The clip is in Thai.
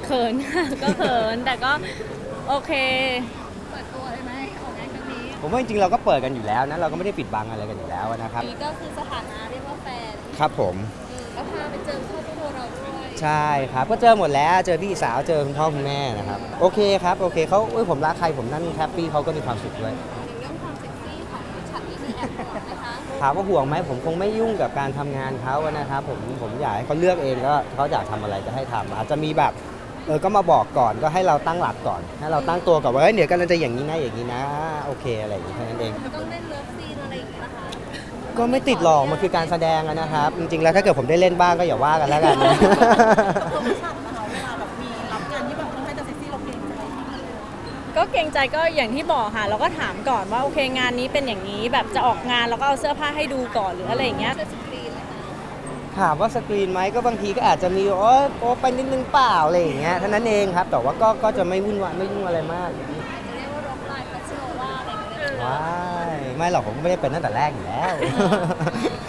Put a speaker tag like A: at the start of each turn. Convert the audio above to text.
A: เขินค่ะก็เขินแต่ก็โอเค
B: เปิดตัวเลยไหมออกงานครั้งนี้
C: ผมว่าจริงๆเราก็เปิดกันอยู่แล้วนะเราก็ไม่ได้ปิดบังอะไรกันอยู่แล้วนะครับ
B: นี่ก็คือสถานะเรียกว่าแฟน
C: ครับผม
B: ก็พาไปเจอครอบครัวเราด้วย
C: ใช่ครับก็เจอหมดแล้วเจอพี่สาวเจอคุณพ่อคุณแม่นะครับโอเคครับโอเคเขาผมรักใครผมนั่นแฮปปี้เขาก็มีความสุขด้วย
B: ในเรื่องความเซ็กซี่ของฉันนี่มีแอบห่วงไหมคะ
C: ถามว่าห่วงไหมผมคงไม่ยุ่งกับการทำงานเขานะครับผมอยากให้เขาเลือกเองก็เขาอยากทำอะไรก็ให้ทำอาจจะมีแบบก็มาบอกก่อนก็ให้เราตั้งหลักก่อนให้เราตั้งตัวก่อนว่าเดี๋ยวกันเราจะอย่างนี้นะอย่างนี้นะโอเคอะไรอย่างนี้แค่นั้นเอง
B: ต้องเล่นเลิฟซีนอะไรอย่างเงี้ยนะคะ
C: ก็ไม่ติดหรอกมันคือการแสดงนะครับจริงๆแล้วถ้าเกิดผมได้เล่นบ้างก็อย่าว่ากันแล้วกันนะ
B: เราไม่ชอบนะคะเวลาแบบมีรับงานที่แบบต้องให้จะเซ็กซี่เราเกรงใจ
A: ก็เกรงใจก็อย่างที่บอกค่ะเราก็ถามก่อนว่าโอเคงานนี้เป็นอย่างนี้แบบจะออกงานเราก็เอาเสื้อผ้าให้ดูก่อนหรืออะไรอย่างเงี้ย
C: ถามว่าสกรีนไหมก็บางทีก็อาจจะมีโอ้ไปนิดนึงเปล่าอะไรอย่างเงี้ยเท่านั้นเองครับแต่ว่าก็จะไม่วุ่นวายไม่ยุ่งอะไรมาก
B: จะเรียกว่าร็อกไลน์คาสิโนว่าอะไรอย่างเงี้ย
C: ว้ายไม่หรอกผมก็ไม่ได้เป็นตั้งแต่แรกอยู่แล้ว